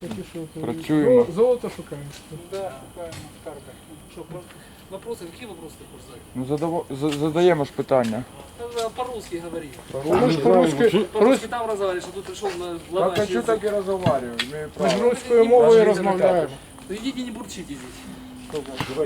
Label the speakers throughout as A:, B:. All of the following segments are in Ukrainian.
A: Працюємо.
B: Золото шукаємо.
C: Да, шукаємо скарби. Що, вопросы? Какие вопросы ты хочешь задать?
A: Ну задаємо ж питання.
C: По-русски говори.
B: Мы же по-русски,
C: По-русски там разговариваешь, а тут пришел на
A: Так
C: ломаешь
A: хочу
C: язык.
A: так і розмовляю. Имею
B: ми ж
A: право.
B: русскою мовою розмовляємо.
C: Ну идите не бурчите здесь.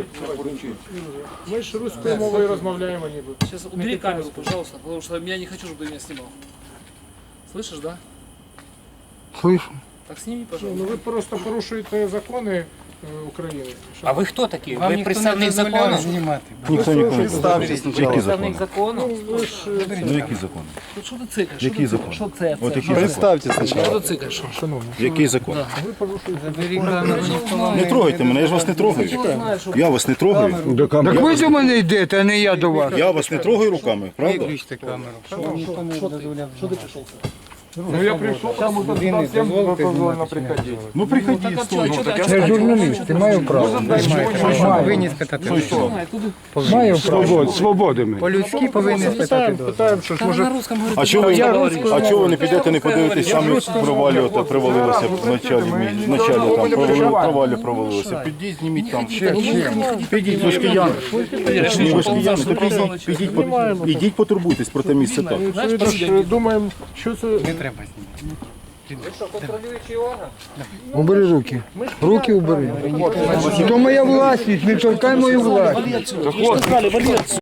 B: Ми ж русскою мовою розмовляємо ніби.
C: Сейчас убери камеру, пожалуйста, потому что я не хочу, чтобы ты меня снимал. Слышишь, да?
D: Слышу.
C: Так сними,
B: Ну
C: пожалуйста.
B: ви просто порушуєте закони України.
E: А ви хто такі?
D: Вам
E: Ви
D: ніхто не
E: представник
D: дозволяє
E: закону?
D: знімати.
F: Ніхто нікого не ставить.
E: Представник закону?
F: Ну які закони?
C: Ну що ти цикаєш?
F: Який закон?
C: Що це?
F: От який закон?
D: Представте
C: Що
D: спочатку.
C: ти цикаєш?
F: Який закон?
D: Заберіть камеру, ніхто вам
F: Не трогайте мене, я ж вас не трогаю. Я вас не трогаю.
D: Так
A: ви до мене йдете, а не я до вас.
F: Я вас не трогаю руками, правда?
D: виключте камеру. Що вам ніхто не дозволяв.
C: Що ти пішов?
A: Ну я прийшов, там уже
D: Ви не
A: всім
D: дозволите
A: дозволено
D: знімати
A: приходити.
F: Ну приходи, стой.
A: Я журналіст, ти маю право.
D: Повинні спитати.
A: Маю право.
G: Свободами.
D: По-людськи повинні спитати.
B: Питаємо, що ж може
C: На русском говорит.
F: А чого ви не підете, не подивитесь, самі провалилося в началі там, провалилося. Підіть, зніміть там. Підіть, ви ж кияни. Ні, ви ж кияни, то ідіть потурбуйтесь про те місце так.
B: ми ж думаємо, що це.
D: Не треба знімати.
A: Убери руки. Руки убери. То моя власність, не торкай мою власність.